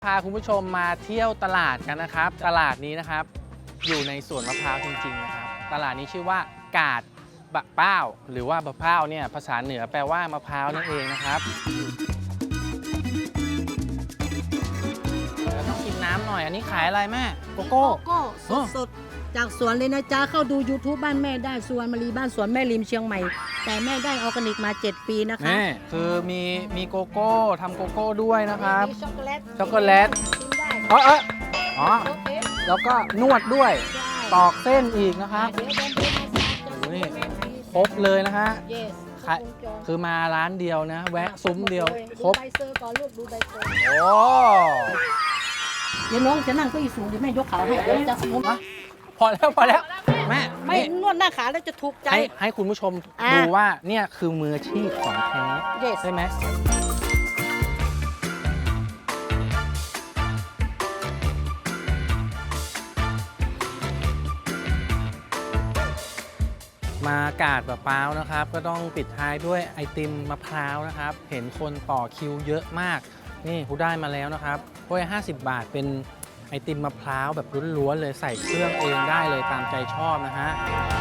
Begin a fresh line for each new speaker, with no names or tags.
พาคุณผู้ชมมาเที่ยวตลาดกันนะครับตลาดนี้นะครับอยู่ในสวนมะพร้าวจริงๆนะครับตลาดนี้ชื่อว่ากาดบะเป้าหรือว่าบะเป้าเนี่ยภาษาเหนือแปลว่ามะพร้าวนั่นเองนะครับแล้วต้องกินน้ำหน่อยอันนี้ขายอะไรแม่โกโก้
โก้สดๆจากสวนเลยนะจ๊ะเข้าดู YouTube บ้านแม่ได้สุวรรณมรีบ้านสวนแม่ริมเชียงใหม่แต่แม่ได้ออร์แกนิกมา7 ปีนะคะ
นี่คือมีโกโก้ทำโกโก้ด้วยนะครับ
มีช็อกโกแลต
ช็อกโกแลต
กินได้
อ๋อ
โอเค
แล้วก็นวดด้วย
ได้
ตอกเส้นอีกนะครับ
เดี๋ยวเดินไปมาจะ
โอ้นี่
แม่ฟรี
ครบเลยนะฮะ
yes
ขาย คือมาร้านเดียวนะ แวะซุ้มเดียวคร
ดู
บ
ใบเซอร์ก่อนลูกดูใบเซอร์
โอ้
เดี๋ยวน้องจะนั่งเก็อีสูงเดี๋ยวแม่ยกขาให้เดี๋ยวจะสมมติ
พอแล้วแม่
ไม่
นี่
นวดหน้าขาแล้วจะถูกใจ
ให้คุณผู้ชม
อ่ะ
ดูว่าเนี่ยคือมืออาชีพของแท้
yes
ใช่ไหมมากาดมะพร้าวนะครับ ก็ต้องปิดท้ายด้วยไอติมมะพร้าวนะครับ เห็นคนต่อคิวเยอะมาก นี่กูได้มาแล้วนะครับถ้วย50 บาทเป็นไอติมมะพร้าวแบบล้วนๆเลยใส่เครื่องเองได้เลยตามใจชอบนะฮะ